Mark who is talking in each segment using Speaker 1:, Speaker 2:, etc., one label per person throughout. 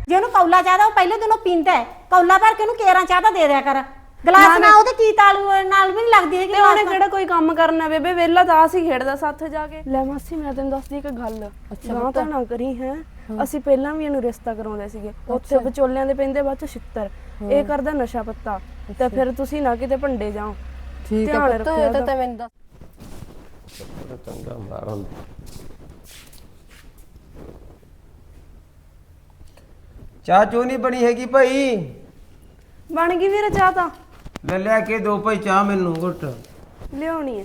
Speaker 1: ਜੇ ਉਹਨੂੰ ਕੌਲਾ ਚਾਹ ਦਾ ਉਹ ਪਹਿਲੇ ਦਿਨੋਂ ਪੀਂਦਾ ਹੈ, ਕੌਲਾ ਭਰ ਕੇ ਉਹਨੂੰ ਕੇਰਾਂ ਚਾਹ ਦਾ ਦੇ ਦਿਆ ਕਰ। ਗਲਾਸ ਨਾ ਉਹਦੇ ਕੀ ਤਾਲੂ ਨਾਲ ਵੀ ਨਹੀਂ ਲੱਗਦੀ ਹੈਗੀ।
Speaker 2: ਤੇ ਉਹਨੇ ਕਿਹੜਾ ਕੋਈ ਕੰਮ ਕਰਨਾ ਬੇਬੇ, ਵਿਹਲਾ ਤਾਂ ਅਸੀਂ ਖੇਡਦਾ ਸਾਥ ਜਾ ਕੇ। ਲੈ ਮਾਸੀ ਮੈਂ ਤੈਨੂੰ ਦੱਸਦੀ ਇੱਕ ਗੱਲ, ਨਾ ਤਾਂ ਨਾ ਕਰੀ ਹੈ। ਅਸੀਂ ਪਹਿਲਾਂ ਵੀ ਇਹਨੂੰ ਰਿਸ਼ਤਾ ਕਰਾਉਂਦੇ ਸੀਗੇ, ਉੱਥੇ ਵਿਚੋਲਿਆਂ ਦੇ ਪੈਂਦੇ ਬਾਅਦ ਚ ਛਿੱਤਰ। ਇਹ ਕਰਦਾ ਨਸ਼ਾ ਪੱਤਾ, ਤੇ ਫਿਰ ਤੁਸੀਂ ਨਾ ਕਿਤੇ ਭੰਡੇ ਜਾਓ।
Speaker 3: ਠੀਕ ਹੈ ਪੁੱਤ, ਇਹ ਤਾਂ ਮੈਨੂੰ ਦੱਸ।
Speaker 4: ਚੰਗਾ ਮਾਰ ਹੁੰਦਾ। ਚਾਹ ਚੋ ਨਹੀਂ ਬਣੀ ਹੈਗੀ ਭਾਈ?
Speaker 2: ਬਣ ਗਈ ਵੀਰੇ ਚਾਹ ਤਾਂ।
Speaker 4: ਲੈ ਲਿਆ ਕੇ ਦੋ ਭਾਈ ਚਾਹ ਮੈਨੂੰ ਘੁੱਟ।
Speaker 2: ਲਿਆਉਣੀ ਹੈ।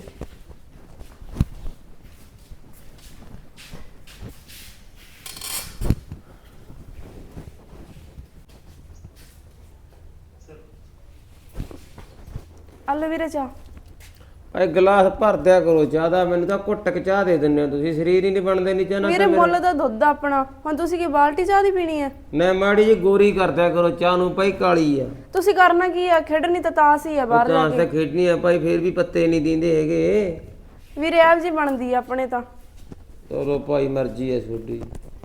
Speaker 2: ਆਲੋ ਵੀਰੇ ਚਾਹ।
Speaker 4: ਭਾਈ ਗਲਾਸ ਭਰ ਦਿਆ ਕਰੋ ਚਾਹ ਦਾ, ਮੈਨੂੰ ਤਾਂ ਘੁੱਟ ਕੇ ਚਾਹ ਦੇ ਦਿੰਦੇ ਹੋ ਤੁਸੀਂ। ਸਰੀਰ ਹੀ ਨਹੀਂ ਬਣਦੇ ਨਹੀਂ ਚਾਹ ਨਾਲ।
Speaker 2: ਵੀਰੇ ਮੁੱਲ ਦਾ ਦੁੱਧ ਆਪਣਾ, ਹੁਣ ਤੁਸੀਂ ਕੀ ਬਾਲਟੀ ਚਾਹ ਦੀ ਪੀਣੀ ਹੈ?
Speaker 4: ਨਾ ਮਾੜੀ ਜੀ ਗੋਰੀ ਕਰ ਦਿਆ ਕਰੋ ਚਾਹ ਨੂੰ ਭਾਈ, ਕਾਲੀ ਆ।
Speaker 2: ਤੁਸੀਂ ਕਰਨਾ ਕੀ ਆ? ਖੇਡਣੀ ਤਾਂ ਤਾਸ ਹੀ ਆ ਬਾਹਰ ਜਾ
Speaker 4: ਤਾਂ ਖੇਡਣੀ ਆ ਭਾਈ, ਫੇਰ ਵੀ ਪੱਤੇ ਨਹੀਂ ਦਿੰਦੇ ਹੈਗੇ
Speaker 2: ਵੀਰੇ। ਆਪ ਜੀ ਬਣਦੀ ਆ ਆਪਣੇ ਤਾਂ।
Speaker 4: ਚਲੋ ਭਾਈ ਮਰਜ਼ੀ ਹੈ ਤੁਹਾਡੀ।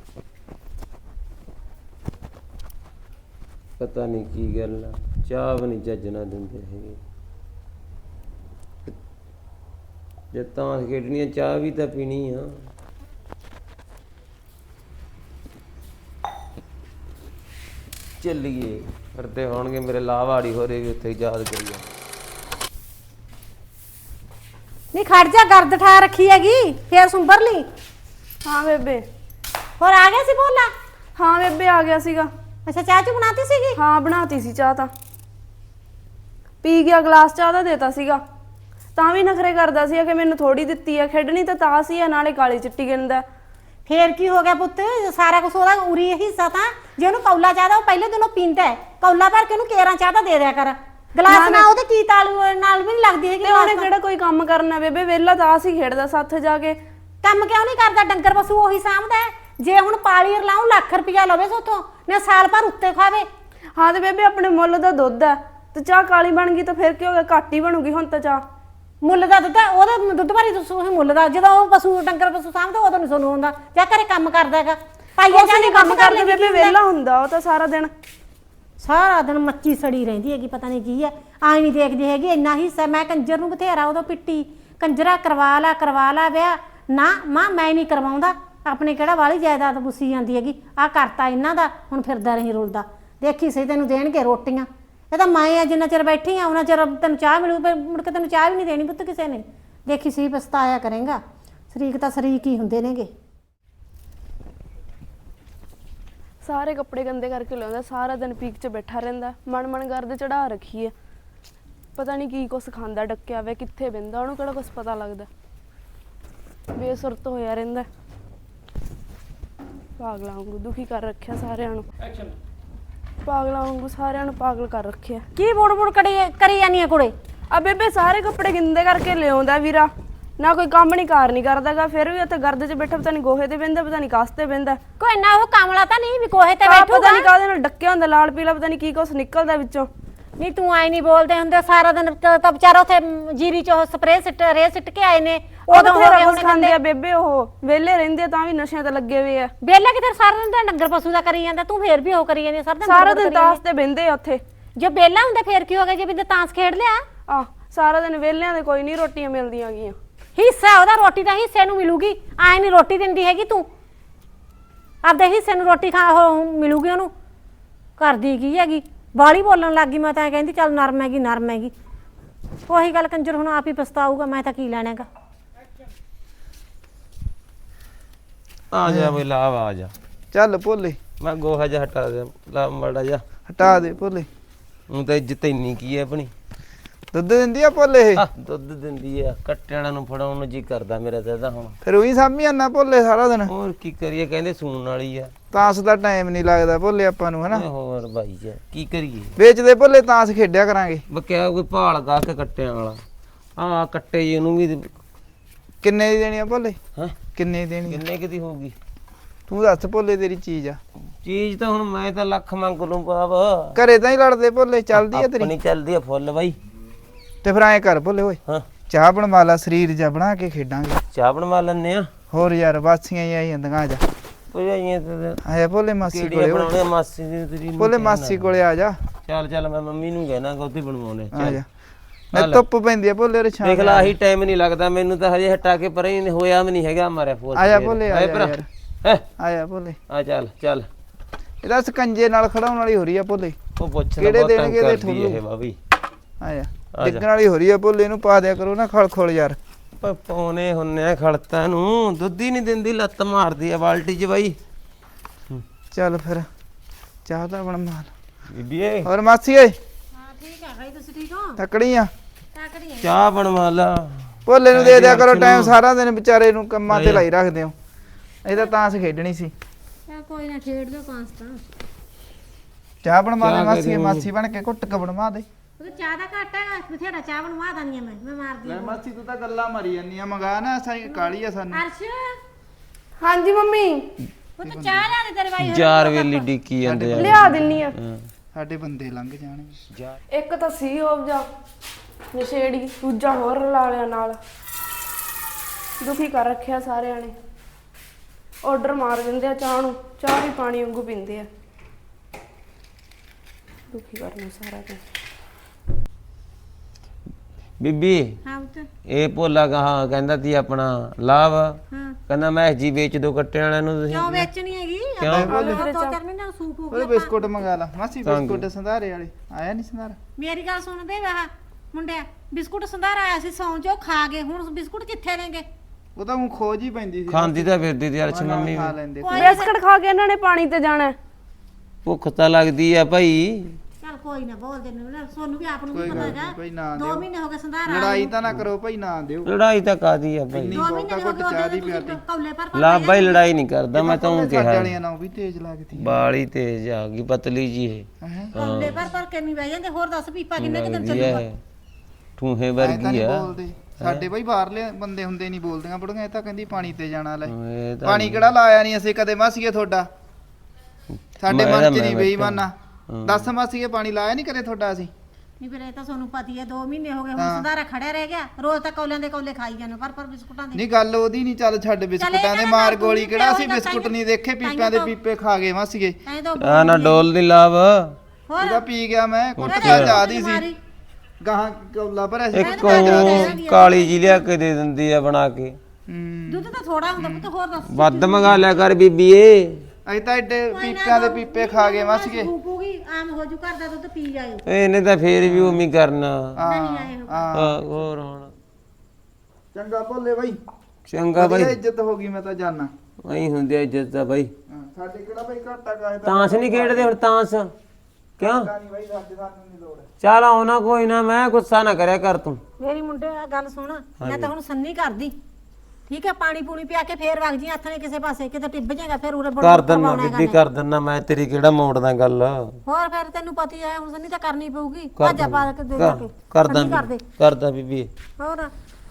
Speaker 4: ਪਤਾ ਨਹੀਂ ਕੀ ਗੱਲ ਆ, ਚਾਹ ਵੀ ਨਹੀਂ ਚੱਜ ਨਾਲ ਦਿੰਦੇ ਹੈਗੇ। ਜੇ ਤਾਂ ਖੇਡਣੀ ਆ ਚਾਹ ਵੀ ਤਾਂ ਪੀਣੀ ਆ। ਚੱਲੀਏ ਫਿਰਦੇ ਹੋਣਗੇ ਮੇਰੇ ਲਾਵਾੜੀ ਹੋ ਰਹੀ ਵੀ ਉੱਥੇ ਯਾਦ ਕਰੀਏ।
Speaker 1: ਨਹੀਂ ਖੜ ਜਾ, ਗਰਦ ਠਾ ਰੱਖੀ ਹੈਗੀ ਫੇਰ ਸੁੰਬਰ ਲਈ।
Speaker 2: ਹਾਂ ਬੇਬੇ।
Speaker 1: ਹੋਰ ਆ ਗਿਆ ਸੀ ਭੋਲਾ?
Speaker 2: ਹਾਂ ਬੇਬੇ ਆ ਗਿਆ ਸੀਗਾ।
Speaker 1: ਅੱਛਾ ਚਾਹ ਚੂ ਬਣਾਤੀ ਸੀਗੀ?
Speaker 2: ਹਾਂ ਬਣਾਤੀ ਸੀ ਚਾਹ ਤਾਂ। ਪੀ ਗਿਆ, ਗਲਾਸ ਚਾਹ ਦਾ ਦੇਤਾ ਸੀਗਾ। ਤਾਂ ਵੀ ਨਖਰੇ ਕਰਦਾ ਸੀ ਕਿ ਮੈਨੂੰ ਥੋੜੀ ਦਿੱਤੀ ਆ। ਖੇਡਣੀ ਤਾਂ ਤਾਸ ਹੀ ਆ, ਨਾਲੇ ਕਾਲੀ ਚਿੱਟੀ ਗਿਣਦਾ।
Speaker 1: ਫੇਰ ਕੀ ਹੋ ਗਿਆ ਪੁੱਤ, ਸਾਰਾ ਕੁਝ ਉਹਦਾ ਉਰੀ ਹਿੱਸਾ ਤਾਂ। ਜੇ ਉਹਨੂੰ ਕੌਲਾ ਚਾਹ ਦਾ ਉਹ ਪਹਿਲੇ ਦਿਨੋਂ ਪੀਂਦਾ ਹੈ, ਕੌਲਾ ਭਰ ਕੇ ਉਹਨੂੰ ਕੇਰਾਂ ਚਾਹ ਦਾ ਦੇ ਦਿਆ ਕਰ। ਗਲਾਸ ਨਾ ਉਹਦੇ ਕੀ ਤਾਲੂ ਨਾਲ ਵੀ ਨਹੀਂ ਲੱਗਦੀ ਹੈਗੀ।
Speaker 2: ਤੇ ਉਹਨੇ ਕਿਹੜਾ ਕੋਈ ਕੰਮ ਕਰਨਾ ਬੇਬੇ, ਵਿਹਲਾ ਤਾਂ ਅਸੀਂ ਖੇਡਦਾ ਸਾਥ ਜਾ ਕੇ।
Speaker 1: ਕੰਮ ਕਿਉਂ ਨਹੀਂ ਕਰਦਾ? ਡੰਗਰ ਪਸ਼ੂ ਉਹੀ ਸਾਂਭਦਾ। ਜੇ ਹੁਣ ਪਾਲੀ ਰਲਾਉਂ ਲੱਖ ਰੁਪਇਆ ਲਵੇ ਸੋਥੋਂ, ਨਾ ਸਾਲ ਭਰ ਉੱਤੇ ਖਾਵੇ।
Speaker 2: ਹਾਂ ਤੇ ਬੇਬੇ ਆਪਣੇ ਮੁੱਲ ਦਾ ਦੁੱਧ ਆ, ਤੇ ਚਾਹ ਕਾਲੀ ਬਣ ਗਈ ਤਾਂ ਫਿਰ ਕੀ ਹੋ ਗਿਆ? ਘੱਟ ਹੀ ਬਣੂਗੀ ਹੁਣ ਤਾਂ ਚਾਹ।
Speaker 1: ਮੁੱਲ ਦਾ ਦੁੱਧ, ਉਹਦਾ ਦੁੱਧ ਭਰੀ ਤੁਸੀਂ ਮੁੱਲ ਦਾ। ਜਦੋਂ ਉਹ ਪਸ਼ੂ ਡੰਗਰ ਪਸ਼ੂ ਸਾਂਭਦਾ ਉਦੋਂ ਨਹੀਂ ਤੁਹਾਨੂੰ ਹੁੰਦਾ। ਜਾਂ ਘਰੇ ਕੰਮ ਕਰਦਾ ਹੈਗਾ ਪਾਈਆ
Speaker 2: ਜਾਂ ਨਹੀਂ ਕੰਮ ਕਰਦੇ ਬੇਬੇ, ਵਿਹਲਾ ਹੁੰਦਾ ਉਹ ਤਾਂ ਸਾਰਾ ਦਿਨ
Speaker 1: ਮੱਚੀ ਸੜੀ ਰਹਿੰਦੀ ਹੈਗੀ। ਪਤਾ ਨਹੀਂ ਕੀ ਹੈ, ਆਈ ਨਹੀਂ ਦੇਖਦੀ ਹੈਗੀ। ਇੰਨਾ ਹਿੱਸਾ ਮੈਂ ਕੰਜਰ ਨੂੰ ਬਥੇਰਾ ਉਦੋਂ ਪਿੱਟੀ, ਕੰਜਰਾ ਕਰਵਾ ਲਾ ਵਿਆਹ। ਨਾ ਮਾਂ ਮੈਂ ਨਹੀਂ ਕਰਵਾਉਂਦਾ, ਆਪਣੇ ਕਿਹੜਾ ਵਾਲੀ ਜਾਇਦਾਦ ਪੁੱਸੀ ਜਾਂਦੀ ਹੈਗੀ। ਆਹ ਕਰਤਾ ਇਹਨਾਂ ਦਾ, ਹੁਣ ਫਿਰਦਾ ਰਹੀ ਰੁਲਦਾ। ਦੇਖੀ ਸਹੀ ਤੈਨੂੰ ਦੇਣਗੇ ਰੋਟੀਆਂ। ਇਹ ਤਾਂ ਮੈਂ ਆ ਜਿੰਨਾ ਚਿਰ ਬੈਠੀ ਆ ਉਹਨਾਂ ਚਿਰ ਤੈਨੂੰ ਚਾਹ ਮਿਲੂ, ਮੁੜ ਕੇ ਤੈਨੂੰ ਚਾਹ ਵੀ ਨਹੀਂ ਦੇਣੀ ਪੁੱਤ ਕਿਸੇ ਨੇ। ਦੇਖੀ ਸਹੀ ਪਛਤਾਇਆ ਕਰੇਗਾ। ਸ਼ਰੀਕ ਤਾਂ ਸ਼ਰੀਕ ਹੀ ਹੁੰਦੇ ਨੇਗੇ।
Speaker 2: ਸਾਰੇ ਕੱਪੜੇ ਗੰਦੇ ਕਰਕੇ ਲਿਆਉਂਦਾ, ਸਾਰਾ ਦਿਨ ਪੀਕ 'ਚ ਬੈਠਾ ਰਹਿੰਦਾ। ਮਨ ਕਰਦੇ ਚੜਾ ਰੱਖੀ ਹੈ। ਪਤਾ ਨਹੀਂ ਕੀ ਕੁਛ ਖਾਂਦਾ, ਡੱਕਿਆ ਵੇ ਕਿੱਥੇ ਬਹਿੰਦਾ, ਉਹਨੂੰ ਕਿਹੜਾ ਕੁਛ ਪਤਾ ਲੱਗਦਾ। ਬੇਸੁਰਤ ਹੋਇਆ ਰਹਿੰਦਾ। ਪਾਗਲਾਂ ਵਾਂਗੂ ਦੁਖੀ ਕਰ ਰੱਖਿਆ ਸਾਰਿਆਂ ਨੂੰ। ਪਾਗਲਾਂ ਵਾਂਗੂ ਸਾਰਿਆਂ ਨੂੰ ਪਾਗਲ ਕਰ ਰੱਖਿਆ।
Speaker 1: ਕੀ ਬੁੜ ਕਰੀ ਜਾਨੀ ਆ ਕੁੜੇ?
Speaker 2: ਆ ਬੇਬੇ ਸਾਰੇ ਕੱਪੜੇ ਗਿੰਦੇ ਕਰਕੇ ਲਿਆਉਂਦਾ ਵੀਰਾ, ਨਾ ਕੋਈ ਕੰਮ ਨਹੀਂ ਕਾਰ ਨਹੀਂ ਕਰਦਾਗਾ। ਫਿਰ ਵੀ ਉੱਥੇ ਗਰਦ 'ਚ ਬੈਠਾ, ਪਤਾ ਨਹੀਂ ਗੋਹੇ ਤੇ ਬਹਿੰਦਾ, ਪਤਾ ਨਹੀਂ ਕਾਸ ਤੇ ਬਹਿੰਦਾ।
Speaker 1: ਕੋਈ ਨਾ ਉਹ ਕਾਮਲਾ ਤਾਂ ਨਹੀਂ ਵੀ ਕੋਹੇ ਤੇ ਬੈਠੂਗਾ।
Speaker 2: ਪਤਾ ਨਹੀਂ ਕਾਹਦੇ ਨਾਲ ਡੱਕਿਆ ਹੁੰਦਾ, ਲਾਲ ਪੀਲਾ ਪਤਾ ਨਹੀਂ ਕੀ ਕੁਛ ਨਿਕਲਦਾ ਵਿੱਚੋਂ।
Speaker 1: ਨਹੀਂ ਤੂੰ ਆਈ ਨਹੀਂ ਬੋਲਦੇ ਹੁੰਦੇ ਸਾਰਾ ਦਿਨ। ਤਾਂ ਵਿਚਾਰਾ ਉੱਥੇ ਜੀਰੀ 'ਚ ਸਪਰੇਅ ਸਿੱਟ ਕੇ ਆਏ ਨੇ।
Speaker 2: ਉਦੋਂ ਹੋ ਖਾਂਦੇ ਆ ਬੇਬੇ, ਉਹ ਵਿਹਲੇ ਰਹਿੰਦੇ ਤਾਂ ਵੀ ਨਸ਼ਿਆਂ ਤੇ ਲੱਗੇ ਹੋਏ ਆ।
Speaker 1: ਵਿਹਲਾ ਕਿਤੇ ਸਾਰਾ ਦਿਨ ਤਾਂ ਡੰਗਰ ਪਸ਼ੂ ਦਾ ਕਰੀ ਜਾਂਦਾ, ਤੂੰ ਫੇਰ ਵੀ ਉਹ ਕਰੀ ਜਾਂਦੀ
Speaker 2: ਸਾਰਾ ਦਿਨ ਤਾਸ ਤੇ ਬਹਿੰਦੇ ਆ ਉੱਥੇ।
Speaker 1: ਜੇ ਵਿਹਲਾ ਹੁੰਦਾ ਫੇਰ ਕੀ ਹੋ ਗਿਆ? ਜੇ ਵੀ ਤਾਂਸ ਖੇਡ ਲਿਆ।
Speaker 2: ਆਹ ਸਾਰਾ ਦਿਨ ਵਿਹਲਿਆਂ ਦੇ ਕੋਈ ਨਹੀਂ ਰੋਟੀਆਂ ਮਿਲਦੀਆਂ ਗੀਆਂ।
Speaker 1: ਹਿੱਸਾ ਉਹਦਾ, ਰੋਟੀ ਤਾਂ ਹਿੱਸੇ ਨੂੰ ਮਿਲੂਗੀ। ਆਏ ਨਹੀਂ ਰੋਟੀ ਦਿੰਦੀ ਹੈਗੀ ਤੂੰ। ਆਪਦੇ ਹਿੱਸੇ ਨੂੰ ਰੋਟੀ ਮਿਲੂਗੀ ਉਹਨੂੰ। ਕਰਦੀ ਕੀ ਹੈਗੀ, ਬਾਹਲੀ ਬੋਲਣ ਲੱਗ ਗਈ। ਮੈਂ ਤਾਂ ਕਹਿੰਦੀ ਚੱਲ ਨਰਮ ਹੈਗੀ। ਉਹੀ ਗੱਲ ਕੰਜਰ ਹੁਣ ਆਪ ਹੀ ਪਛਤਾਊਗਾ। ਮੈਂ ਤਾਂ ਕੀ ਲੈਣਾਗਾ।
Speaker 4: ਆ ਜਾ ਬਈ ਲਾਵ ਆ ਜਾ।
Speaker 3: ਚੱਲ ਭੋਲੇ,
Speaker 4: ਮੈਂ ਗੋਹਾ ਜਾ ਹਟਾ ਦੇ, ਲਾ ਮੜਾ ਜਾ
Speaker 3: ਹਟਾ ਦੇ ਭੋਲੇ।
Speaker 4: ਹੁਣ ਤਾਂ ਇੱਜ਼ਤ ਇੰਨੀ ਕੀ ਹੈ ਆਪਣੀ।
Speaker 3: ਦੁੱਧ ਦਿੰਦੀ ਆ ਭੋਲੇ ਇਹ?
Speaker 4: ਦੁੱਧ ਦਿੰਦੀ ਆ, ਕੱਟਿਆਂ ਨੂੰ ਫੜਾਉਣ ਨੂੰ ਜੀ ਕਰਦਾ ਮੇਰਾ ਤਾਂ ਇਹਦਾ ਹੁਣ।
Speaker 3: ਫਿਰ ਉਹੀ ਸਾਂਭੀ ਜਾਂਦਾ ਭੋਲੇ ਸਾਰਾ ਦਿਨ।
Speaker 4: ਹੋਰ ਕੀ ਕਰੀਏ, ਕਹਿੰਦੇ ਸੂਣ ਵਾਲੀ ਆ।
Speaker 3: ਤਾਂਸ ਦਾ ਟਾਈਮ ਨਹੀਂ ਲੱਗਦਾ ਭੋਲੇ ਆਪਾਂ ਨੂੰ, ਹਨਾ।
Speaker 4: ਹੋਰ ਬਾਈ ਜੀ ਕੀ ਕਰੀਏ।
Speaker 3: ਵੇਚਦੇ ਭੋਲੇ, ਤਾਂਸ ਖੇਡਿਆ ਕਰਾਂਗੇ।
Speaker 4: ਬਕਿਆ ਕੋਈ ਭਾਲ ਗਾ ਕੇ ਕੱਟਿਆਂ ਵਾਲਾ। ਆ ਕੱਟੇ ਜੀ ਉਹਨੂੰ ਵੀ।
Speaker 3: ਕਿੰਨੇ ਦੀ ਦੇਣੀ ਆ ਭੋਲੇ?
Speaker 4: ਹੈ
Speaker 3: ਕਿੰਨੇ ਦੀ ਦੇਣੀ?
Speaker 4: ਕਿੰਨੇ ਕਿਦੀ ਹੋਊਗੀ
Speaker 3: ਤੂੰ ਦੱਸ ਭੋਲੇ, ਤੇਰੀ ਚੀਜ਼ ਆ।
Speaker 4: ਚੀਜ਼ ਤਾਂ ਹੁਣ ਮੈਂ ਤਾਂ ਲੱਖ ਮੰਗ ਲੂੰ ਬਾਬ।
Speaker 3: ਘਰੇ ਤਾਂ ਹੀ ਲੜਦੇ ਭੋਲੇ, ਚੱਲਦੀ ਆ ਤੇਰੀ?
Speaker 4: ਨਹੀਂ ਚੱਲਦੀ ਆ ਫੁੱਲ ਬਾਈ।
Speaker 3: ਤੇ ਫਿਰ ਐਂ ਕਰ ਭੋਲੇ ਓਏ,
Speaker 4: ਹਾਂ
Speaker 3: ਚਾਹ ਬਣਵਾ ਲਾ, ਸਰੀਰ ਜਾ ਬਣਾ ਕੇ ਖੇਡਾਂਗੇ।
Speaker 4: ਚਾਹ ਬਣਵਾ ਲੈਣੇ ਆ।
Speaker 3: ਹੋਰ ਯਾਰ ਬਾਸੀਆਂ ਹੀ ਆਈ ਜਾਂਦੀਆਂ। ਆ ਜਾ
Speaker 4: ਭਜਾਈਆਂ ਤੇ
Speaker 3: ਆਇਆ ਭੋਲੇ ਮਾਸੀ
Speaker 4: ਕਿਹੜੀਆਂ
Speaker 3: ਕੋਲੇ
Speaker 4: ਬਣਾਉਣੇ ਮਾਸੀ ਦੀ ਤੇਰੀ ਨੂੰ
Speaker 3: ਭੋਲੇ ਮਾਸੀ ਕੋਲੇ ਆ ਜਾ
Speaker 4: ਚੱਲ ਮੈਂ ਮੰਮੀ ਨੂੰ ਕਹਿਣਾ ਗੋਤੀ ਬਣਵਾਉਣੇ
Speaker 3: ਆ ਜਾ ਮੈਂ ਧੁੱਪ ਪੈਂਦੀ ਆ ਭੋਲੇ ਰੇ ਛਾਂ
Speaker 4: ਦੇਖ ਲਾ ਆਹੀ ਟਾਈਮ ਨਹੀਂ ਲੱਗਦਾ ਮੈਨੂੰ ਤਾਂ ਹਜੇ ਹਟਾ ਕੇ ਪਰੇ ਹੀ ਹੋਇਆ ਵੀ ਨਹੀਂ ਹੈਗਾ ਮਾਰਿਆ ਫੋਨ
Speaker 3: ਆ ਜਾ ਭੋਲੇ ਆ ਜਾ ਯਾਰ
Speaker 4: ਹੈ
Speaker 3: ਆਇਆ ਭੋਲੇ
Speaker 4: ਆ ਚੱਲ
Speaker 3: ਇਹਦਾ ਸਕੰਜੇ ਨਾਲ ਖੜਾਉਣ ਵਾਲੀ ਹੋ ਰਹੀ ਆ ਭੋਲੇ
Speaker 4: ਉਹ ਪੁੱਛ ਲੈ
Speaker 3: ਕਿਹੜੇ
Speaker 4: ਬਹੁਤ ਤੰਗ
Speaker 3: ਦੇਣਗੇ ਇਹਦੇ
Speaker 4: ਕਰਦੀ ਇਹ ਬਾਬੀ
Speaker 3: ਆਇਆ ਡਿੱਗਣ ਵਾਲੀ ਹੋ ਰਹੀ ਆ ਭੋਲੇ ਨੂੰ ਪਾ ਦਿਆ ਕਰੋ ਨਾ ਖਲ ਯਾਰ
Speaker 4: ਪਾਉਣੇ ਹੁੰਨੇ ਆ ਖੜਤਾ ਨੂੰ ਦੁੱਧ ਹੀ ਨਹੀਂ ਦਿੰਦੀ ਲੱਤ ਮਾਰਦੀ ਆ ਬਾਲਟੀ 'ਚ ਬਾਈ
Speaker 3: ਚੱਲ ਫਿਰ ਚਾਹ ਦਾ ਬਣ ਮਾਲ
Speaker 4: ਬੀਬੀਏ
Speaker 3: ਹੋਰ ਮਾਸੀ ਓਏ
Speaker 1: ਹਾਂ ਠੀਕ ਆ ਭਾਈ ਤੁਸੀਂ ਠੀਕ ਹੋ
Speaker 3: ਤਕੜੀ ਆ
Speaker 1: ਤਾਕੜੀ
Speaker 4: ਚਾਹ ਬਣਵਾ ਲਾ
Speaker 3: ਭੋਲੇ ਨੂੰ ਦੇ ਦਿਆ ਕਰੋ ਟਾਈਮ ਸਾਰਾ ਦਿਨ ਵਿਚਾਰੇ ਨੂੰ ਕੰਮਾਂ ਤੇ ਲਾਈ ਰੱਖਦੇ ਹੋ ਇਹ ਤਾਂ ਤਾਂਸ ਖੇਡਣੀ ਸੀ
Speaker 1: ਚਾ ਕੋਈ ਨਾ ਖੇਡ ਲਓ ਪਾਂਸ ਤਾਂ
Speaker 3: ਚਾਹ ਬਣਵਾ ਦੇ ਮਾਸੀ ਮਾਸੀ ਬਣ ਕੇ ਘੁੱਟ ਕੇ ਬਣਵਾ ਦੇ
Speaker 1: ਉਹ ਚਾਹ ਦਾ ਘੱਟ ਹੈਗਾ ਬਥੇਰਾ ਚਾਹ ਬਣਵਾ ਦਾਨੀ ਆ ਮੈਂ ਮਾਰਦੀ
Speaker 3: ਲੈ ਮਾਸੀ ਤੂੰ ਤਾਂ ਗੱਲਾਂ ਮਾਰੀ ਜਾਂਦੀ ਆ ਮੰਗਾ ਨਾ ਸਾਈ ਕਾਲੀ ਆ ਸਾਨੂੰ
Speaker 1: ਅਰਸ਼
Speaker 2: ਹਾਂਜੀ ਮੰਮੀ
Speaker 1: ਉਹ ਤਾਂ ਚਾਹ ਲਿਆ ਦੇ ਤੇਰੇ ਭਾਈ
Speaker 4: ਚਾਰ ਵੇਲੀ ਡਿੱਕੀ ਜਾਂਦੇ ਆ
Speaker 2: ਲਿਆ ਦਿੰਨੀ ਆ
Speaker 3: ਸਾਡੇ ਬੰਦੇ ਲੰਘ ਜਾਣਗੇ
Speaker 2: ਇੱਕ ਤਾਂ ਸੀ ਹੋਵਜਾ ਨਸ਼ੇੜੀ ਦੂਜਾ ਹੋਰ ਲਾ ਲਿਆ ਨਾਲ ਦੁਖੀ ਕਰ ਰੱਖਿਆ ਸਾਰਿਆਂ ਨੇ ਆਰਡਰ ਮਾਰ ਦਿੰਦੇ ਆ ਚਾਹ ਨੂੰ ਚਾਹ ਵੀ ਪਾਣੀ ਵਾਂਗੂ ਪੀਂਦੇ ਆ ਦੁਖੀ ਕਰਨਾ ਸਾਰਾ ਕੁਝ
Speaker 4: ਬੀਬੀ
Speaker 1: ਹਾਂ ਪੁੱਤ
Speaker 4: ਇਹ ਭੋਲਾ ਕਹਾ ਕਹਿੰਦਾ ਤੀ ਆਪਣਾ ਲਾਭ
Speaker 1: ਹਾਂ
Speaker 4: ਕਹਿੰਦਾ ਮੈਂ ਜੀ ਵੇਚ ਦੋ ਕੱਟੇ ਵਾਲਿਆਂ ਨੂੰ ਤੁਸੀਂ
Speaker 1: ਕਿਉਂ ਵੇਚਣੀ ਹੈਗੀ
Speaker 4: ਕਿਉਂ?
Speaker 1: ਆਪਾਂ ਦੋ ਚਾਰ ਮਹੀਨੇ ਦਾ ਸੂਪ ਹੋ
Speaker 3: ਉਹਦੇ
Speaker 1: ਗਿਆ
Speaker 3: ਬਿਸਕੁਟ ਮੰਗਾ ਲਾ ਮਾਸੀ ਬਿਸਕੁਟ ਸੰਧਾਰੇ ਵਾਲੇ ਆਇਆ ਨਹੀਂ ਸੰਧਾਰਾ
Speaker 1: ਮੇਰੀ ਗੱਲ ਸੁਣ ਬੇ ਵਾਹ ਮੁੰਡਿਆ ਬਿਸਕੁਟ ਸੰਧਾਰਾ ਆਇਆ ਸੀ ਸੌਂ ਜੋ ਖਾ ਗਏ ਹੁਣ ਬਿਸਕੁਟ ਕਿੱਥੇ ਲੈਂਗੇ
Speaker 3: ਉਹ ਤਾਂ ਹੁਣ ਖੋਜ ਹੀ ਪੈਂਦੀ ਸੀ
Speaker 4: ਖਾਂਦੀ ਤਾਂ ਫਿਰਦੀ ਤੀ ਅਰਸ਼ ਮੰਮੀ
Speaker 3: ਖਾ
Speaker 4: ਵੀ।
Speaker 3: ਲੈਂਦੇ
Speaker 2: ਬਿਸਕਟ ਖਾ ਕੇ ਇਹਨਾਂ ਨੇ ਪਾਣੀ ਤੇ ਜਾਣਾ ਹੈ।
Speaker 4: ਭੁੱਖ ਤਾਂ ਲੱਗਦੀ ਆ ਭਾਈ
Speaker 1: ਚੱਲ ਕੋਈ ਨਾ ਬੋਲਦੇ ਨੇ ਸੋਨੂੰ ਵੀ ਆਪ ਨੂੰ ਵੀ
Speaker 3: ਕੋਈ
Speaker 1: ਪਤਾ
Speaker 3: ਗੱਲ ਨੀ,
Speaker 1: ਹੈਗਾ
Speaker 3: ਭਾਈ ਨਾ
Speaker 1: 2
Speaker 3: ਦਿਓ
Speaker 1: ਮਹੀਨੇ ਹੋ ਗਏ ਸੰਧਾਰਾ
Speaker 3: ਲੜਾਈ ਤਾਂ ਨਾ ਕਰੋ ਭਾਈ ਨਾ ਦਿਓ
Speaker 4: ਲੜਾਈ ਤਾਂ ਕਾਦੀ ਆ ਭਾਈ
Speaker 1: 2 ਮਹੀਨੇ ਹੋ ਗਏ
Speaker 3: ਚਾਹ ਦੀ
Speaker 1: ਤੁਸੀਂ
Speaker 3: ਪਿਆਤੀ
Speaker 1: ਕੌਲੇ ਪਰ
Speaker 4: ਲਾ ਭਾਈ ਲੜਾਈ ਨਹੀਂ ਕਰਦਾ ਮੈਂ ਤਾਂ ਉਹ
Speaker 3: ਸਾਡੇ
Speaker 4: ਕਿਹਾ
Speaker 3: ਵਾਲੀਆਂ ਨਾ ਉਹ ਵੀ ਤੇਜ਼ ਲੱਗਦੀ
Speaker 4: ਬਾਲੀ ਤੇਜ਼ ਆ ਗਈ ਪਤਲੀ ਜੀ ਇਹ
Speaker 3: ਹੈ
Speaker 1: ਕੌਲੇ ਪਰ ਕੇ ਨਹੀਂ ਬਹਿ ਜਾਂਦੇ ਹੋਰ ਦੱਸ ਪੀਪਾ ਕਿੰਨੇ ਕਿਤੇ
Speaker 4: ਲੱਗਦੀ ਆ ਇਹ। ਠੂਹੇ
Speaker 3: ਐ ਤਾਂ
Speaker 4: ਵਰਗੀ
Speaker 3: ਨਹੀਂ
Speaker 4: ਆ
Speaker 3: ਬੋਲਦੇ ਸਾਡੇ ਭਾਈ ਬਾਹਰਲੇ ਬੰਦੇ ਹੁੰਦੇ ਨਹੀਂ ਬੋਲਦੀਆਂ ਬੁੜੀਆਂ ਇਹ ਤਾਂ ਕਹਿੰਦੀ ਪਾਣੀ ਤੇ ਜਾਣਾ ਲੈ
Speaker 4: ਇਹ ਤਾਂ
Speaker 3: ਪਾਣੀ ਕਿਹੜਾ ਲਾਇਆ ਨਹੀਂ ਅਸੀਂ ਕਦੇ ਮਾਸੀਏ ਤੁਹਾਡਾ ਸਾਡੇ
Speaker 4: ਮੈਂ
Speaker 3: ਮਨ ਚ
Speaker 4: ਤਾਂ
Speaker 3: ਨਹੀਂ
Speaker 4: ਮੈਂ
Speaker 3: ਬੇਈਮਾਨਾ ਦੱਸ ਮਾਸੀਏ ਪਾਣੀ ਲਾਇਆ ਨਹੀਂ ਕਦੇ ਤੁਹਾਡਾ ਅਸੀਂ
Speaker 1: ਨਹੀਂ ਫਿਰ ਇਹ ਤਾਂ ਤੁਹਾਨੂੰ ਪਤੀ ਹੈ 2 ਮਹੀਨੇ ਹੋ ਗਏ ਹੁਣ ਸੰਧਾਰਾ ਖੜਿਆ ਰਹਿ ਗਿਆ ਰੋਜ਼ ਤਾਂ ਕੌਲਿਆਂ ਦੇ ਕੌਲੇ ਖਾਈ ਜਾਂਦੇ ਪਰ ਬਿਸਕੁਟਾਂ ਦੇ
Speaker 3: ਨਹੀਂ ਗੱਲ ਉਹਦੀ ਨਹੀਂ ਚੱਲ ਛੱਡ ਬਿਸਕੁਟਾਂ ਦੇ ਮਾਰ ਗੋਲੀ ਕਿਹੜਾ ਅਸੀਂ ਬਿਸਕੁਟ ਨਹੀਂ ਦੇਖੇ ਪੀਪਿਆਂ ਦੇ ਪੀਪੇ ਖਾ ਗਏ ਮਾਸੀਏ
Speaker 1: ਐਂ ਤਾਂ
Speaker 4: ਆ ਨਾ ਡੋਲ ਦੀ ਲਾਭ
Speaker 1: ਹੋਰ
Speaker 3: ਇਹਦਾ ਪੀ ਗਿਆ ਮੈਂ ਕੁੱਟ ਕੇ ਜਾਦੀ ਸੀ ਗਾਹਾਂ ਕੌਲਾ ਭਰਿਆ ਸੀ
Speaker 4: ਇੱਕ ਉਹ ਕਾਲੀ ਜੀ ਲਿਆ ਕੇ ਦੇ ਦਿੰਦੀ ਆ ਬਣਾ ਕੇ
Speaker 1: ਦੁੱਧ ਤਾਂ ਥੋੜਾ ਹੁੰਦਾ ਪੁੱਤ ਹੋਰ ਦੱਸ
Speaker 4: ਵੱਧ ਮੰਗਾ ਲਿਆ ਕਰ ਬੀਬੀਏ
Speaker 3: ਅਸੀਂ ਤਾਂ ਐਡੇ ਪੀਪਿਆਂ ਦੇ ਪੀਪੇ ਖਾ ਗਏ ਮਾਸੀਏ
Speaker 1: ਫੂਕੂਗੀ ਆਮ ਹੋ ਜੂ ਘਰ ਦਾ ਦੁੱਧ ਪੀ ਜਾਇਓ
Speaker 4: ਇਹਨੇ ਤਾਂ ਫੇਰ ਵੀ ਉਮੀ ਕਰਨਾ
Speaker 1: ਨਹੀਂ ਆਏ ਹੋ
Speaker 4: ਹੋਰ ਹੁਣ
Speaker 3: ਚੰਗਾ ਭੋਲੇ ਬਾਈ
Speaker 4: ਚੰਗਾ ਬਾਈ
Speaker 3: ਵਧੀਆ ਇੱਜ਼ਤ ਹੋ ਗਈ ਮੈਂ ਤਾਂ ਜਾਣਾ
Speaker 4: ਐਂ ਹੁੰਦੀ ਆ ਇੱਜ਼ਤ ਦਾ ਬਾਈ
Speaker 3: ਸਾਡੇ ਕਿਹੜਾ ਬਾਈ ਘਾਟਾ ਕਾਹਦਾ
Speaker 4: ਤਾਂਸ ਨਹੀਂ ਖੇਡਦੇ ਹੁਣ ਤਾਂਸ ਕਿਉਂ
Speaker 3: ਨਹੀਂ ਬਾਈ ਸਾਡੇ ਸਾਨੂੰ ਨਹੀਂ ਲੋੜ
Speaker 4: ਚੱਲ ਆਉਣਾ ਕੋਈ ਨਾ ਮੈਂ ਗੁੱਸਾ ਨਾ ਕਰਿਆ ਕਰ ਤੂੰ
Speaker 1: ਮੇਰੀ ਮੁੰਡੇ ਆ ਗੱਲ ਸੁਣ ਮੈਂ ਤਾਂ ਹੁਣ ਸੰਨੀ ਕਰਦੀ ਠੀਕ ਹੈ ਪਾਣੀ ਪੂਣੀ ਪਿਆ ਕੇ ਫੇਰ ਵਗ ਜੀ ਹੱਥ ਨੇ ਕਿਸੇ ਪਾਸੇ ਕਿਤੇ ਟਿੱਬ ਜਾਏਗਾ ਫਿਰ ਉਰੇ ਬੜਾ
Speaker 4: ਕਰ ਦਿੰਨਾ ਬੀਬੀ ਕਰ ਦਿੰਨਾ ਮੈਂ ਤੇਰੀ ਕਿਹੜਾ ਮੋੜਦਾ ਗੱਲ
Speaker 1: ਹੋਰ ਫਿਰ ਤੈਨੂੰ ਪਤੀ ਆ ਹੁਣ ਸੰਨੀ ਤਾਂ ਕਰਨੀ ਪਊਗੀ ਭਾਜਾ ਪਾ ਕੇ ਦੇ ਕੇ
Speaker 4: ਕਰਦਾ
Speaker 1: ਸੰਨੀ ਕਰਦੇ
Speaker 4: ਕਰਦਾ ਬੀਬੀ
Speaker 1: ਹੋਰ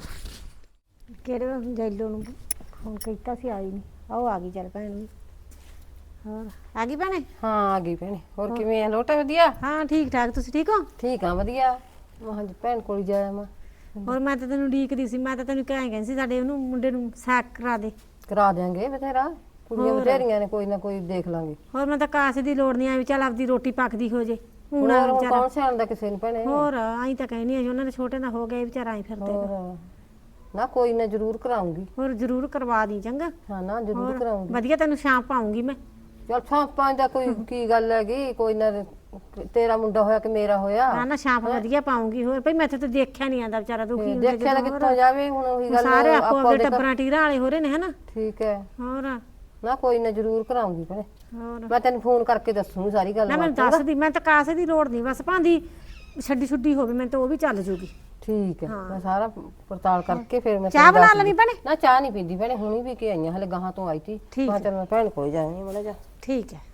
Speaker 1: ਕਿਹੜੇ ਜੈਲੋ ਨੂੰ ਫੋਨ ਕੀਤਾ ਸੀ ਆਈ ਨਹੀਂ ਆਓ ਆ ਗਈ ਚੱਲ ਭੈਣ ਵੀ ਹੋਰ ਆ ਗਈ ਭੈਣੇ
Speaker 5: ਹਾਂ ਆ ਗਈ ਭੈਣੇ ਹੋਰ ਕਿਵੇਂ ਆ ਲੋਟਾ ਵਧੀਆ
Speaker 1: ਹਾਂ ਠੀਕ ਠਾਕ ਤੁਸੀਂ ਠੀਕ ਹੋ
Speaker 5: ਠੀਕ ਆ ਵਧੀਆ ਮੈਂ ਹਾਂਜੀ ਭੈਣ ਕੋਲ ਜਾਇਆ ਮੈਂ
Speaker 1: ਹੋਰ ਮੈਂ ਤਾਂ ਤੈਨੂੰ ਉਡੀਕਦੀ ਸੀ ਮੈਂ ਤਾਂ ਤੈਨੂੰ ਕਹਿ ਗਈ ਸੀ ਸਾਡੇ ਉਹਨੂੰ ਮੁੰਡੇ ਨੂੰ ਸਾਕ ਕਰਾ ਦੇ
Speaker 5: ਕਰਾ ਦਿਆਂਗੇ ਬਥੇਰਾ ਕੁੜੀਆਂ ਬਥੇਰੀਆਂ ਨੇ ਕੋਈ ਨਾ ਕੋਈ ਦੇਖ ਲਾਂਗੇ
Speaker 1: ਹੋਰ ਮੈਂ ਤਾਂ ਕਾਸੇ ਦੀ ਲੋੜ ਨਹੀਂ ਆ ਵੀ ਚੱਲ ਆਪਦੀ ਰੋਟੀ ਪੱਕਦੀ ਹੋ ਜੇ
Speaker 5: ਹੁਣ ਹੋਰ ਕੌਣ ਸਿਆਣਦਾ ਕਿਸੇ ਨੂੰ ਭੈਣੇ
Speaker 1: ਹੋਰ ਆਈ ਤਾਂ ਕਹਿਨੀ ਆ ਜੀ ਉਹਨਾਂ ਦੇ ਛੋਟੇ ਦਾ ਹੋ ਗਏ ਵਿਚਾਰਾ ਆਈ ਫਿਰਦੇ ਨੇ।
Speaker 5: ਹੋਰ ਨਾ ਕੋਈ ਨਾ ਜ਼ਰੂਰ ਕਰਾਉਂਗੀ
Speaker 1: ਹੋਰ ਜ਼ਰੂਰ ਕਰਵਾ ਦੀ ਚੰਗਾ
Speaker 5: ਹਾਂ ਨਾ ਜ਼ਰੂਰ ਕਰਾਉਂਗੀ
Speaker 1: ਵਧੀਆ ਤੈਨੂੰ ਸ਼ਾਮ ਪਾਉਂਗੀ ਮੈਂ
Speaker 5: ਚਲ ਛਾਪਾਂ ਦਾ ਕੋਈ ਕੀ ਗੱਲ ਹੈਗੀ ਕੋਈ ਨਾ ਤੇਰਾ ਮੁੰਡਾ ਹੋਇਆ ਕਿ ਮੇਰਾ ਹੋਇਆ
Speaker 1: ਨਾ ਸ਼ਾਮ ਵਧੀਆ ਪਾਉਂਗੀ ਹੋਰ ਭਈ ਮੈਥੇ ਤਾਂ ਦੇਖਿਆ ਨਹੀਂ ਆਂਦਾ ਵਿਚਾਰਾ ਦੁਖੀ ਹੁੰਦਾ
Speaker 5: ਦੇਖਿਆ ਤਾਂ ਕਿੱਥੋਂ ਜਾਵੇ ਹੁਣ ਉਹੀ ਗੱਲ
Speaker 1: ਸਾਰੇ ਆਪੋ ਆਪਣੇ ਟੱਬਰਾਂ ਟੀਰਾਂ ਵਾਲੇ ਹੋ ਰਹੇ ਨੇ ਹਨਾ
Speaker 5: ਠੀਕ ਹੈ
Speaker 1: ਹੋਰ
Speaker 5: ਨਾ ਕੋਈ ਨਾ ਜ਼ਰੂਰ ਕਰਾਉਂਗੀ ਭੈਣੇ
Speaker 1: ਹੋਰ
Speaker 5: ਮੈਂ ਤੈਨੂੰ ਫੋਨ ਕਰਕੇ ਦੱਸੂਗੀ ਸਾਰੀ ਗੱਲ
Speaker 1: ਨਾ ਮੈਨੂੰ ਦੱਸਦੀ ਮੈਂ ਤਾਂ ਕਾਸੇ ਦੀ ਲੋੜ ਨਹੀਂ ਬਸ ਭਾਂਦੀ ਛੱਡੀ ਛੁੱਡੀ ਹੋਵੇ ਮੈਂ ਤਾਂ ਉਹ ਵੀ ਚੱਲ ਜੂਗੀ
Speaker 5: ਠੀਕ ਹੈ ਮੈਂ ਸਾਰਾ ਪੜਤਾਲ ਕਰਕੇ ਫਿਰ ਮੈਂ
Speaker 1: ਚਾਹ ਬਣਾ ਲੈਣੀ ਭੈਣੇ
Speaker 5: ਨਾ ਚਾਹ ਨਹੀਂ ਪੀਂਦੀ ਭੈਣੇ ਹੁਣੀ ਵੀ ਕੇ ਆਈਆਂ ਹਲੇ ਗਾਹਾਂ ਤੋਂ ਆਈ ਤੀ
Speaker 1: ਠੀਕ
Speaker 5: ਮੈਂ ਚੱਲ ਮੈਂ ਭੈਣ ਕੋਲ ਜਾਣੀ ਮੜਾ ਜਾ
Speaker 1: ਠੀਕ ਹੈ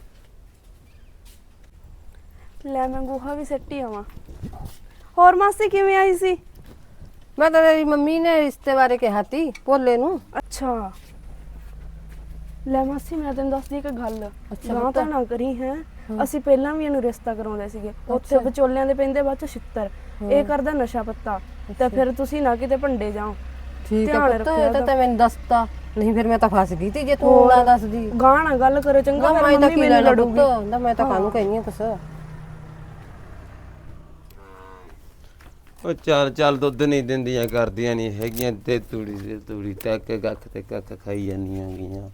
Speaker 2: ਲੈ ਮੈਂ ਗੋਹਾ ਵੀ ਸੱਟੀ ਆਵਾਂ ਹੋਰ ਮਾਸੀ ਕਿਵੇਂ ਆਈ ਸੀ
Speaker 5: ਮੈਂ ਤਾਂ ਤੇਰੀ ਮੰਮੀ ਨੇ ਰਿਸ਼ਤੇ ਬਾਰੇ ਕਿਹਾ ਤੀ ਭੋਲੇ ਨੂੰ
Speaker 2: ਅੱਛਾ ਲੈ ਮਾਸੀ ਮੈਂ ਤੈਨੂੰ ਦੱਸਦੀ ਇੱਕ ਗੱਲ ਨਾ ਤਾਂ ਨਾ ਕਰੀ ਹੈ ਅਸੀਂ ਪਹਿਲਾਂ ਵੀ ਇਹਨੂੰ ਰਿਸ਼ਤਾ ਕਰਾਉਂਦੇ ਸੀਗੇ ਉੱਥੇ ਵਿਚੋਲਿਆਂ ਦੇ ਪੈਂਦੇ ਬਾਅਦ ਚ ਛਿੱਤਰ ਇਹ ਕਰਦਾ ਨਸ਼ਾ ਪੱਤਾ ਤੇ ਫਿਰ ਤੁਸੀਂ ਨਾ ਕਿਤੇ ਭੰਡੇ ਜਾਓ
Speaker 5: ਠੀਕ ਹੈ ਪੁੱਤ ਇਹ ਤਾਂ ਤੈਂ ਮੈਨੂੰ ਦੱਸਤਾ ਨਹੀਂ ਫਿਰ ਮੈਂ ਤਾਂ ਫਸ ਗਈ ਤੀ ਜੇ ਤੂੰ ਨਾ ਦੱਸਦੀ।
Speaker 2: ਗਾਂ ਨਾ ਗੱਲ ਕਰੋ ਚੰਗਾ,
Speaker 5: ਨਾ
Speaker 2: ਫਿਰ
Speaker 5: ਮੈਂ ਤਾਂ
Speaker 2: ਮੰਮੀ
Speaker 5: ਕੀ
Speaker 2: ਮੈਨੂੰ
Speaker 5: ਲੈਣਾ
Speaker 2: ਲੜੂਗੀ।
Speaker 5: ਪੁੱਤ, ਨਾ ਮੈਂ ਤਾਂ ਕਾਹਨੂੰ ਕਹਿੰਦੀ ਆ ਕੁਛ।
Speaker 4: ਉਹ ਚੱਲ ਚੱਲ ਦੁੱਧ ਨਹੀਂ ਦਿੰਦੀਆਂ ਕਰਦੀਆਂ ਨਹੀਂ ਹੈਗੀਆਂ ਤੇ ਤੂੜੀ ਤੱਕ ਗੱਖ ਤੇ ਕੱਖ ਖਾਈ ਜਾਂਦੀਆਂ ਗੀਆਂ।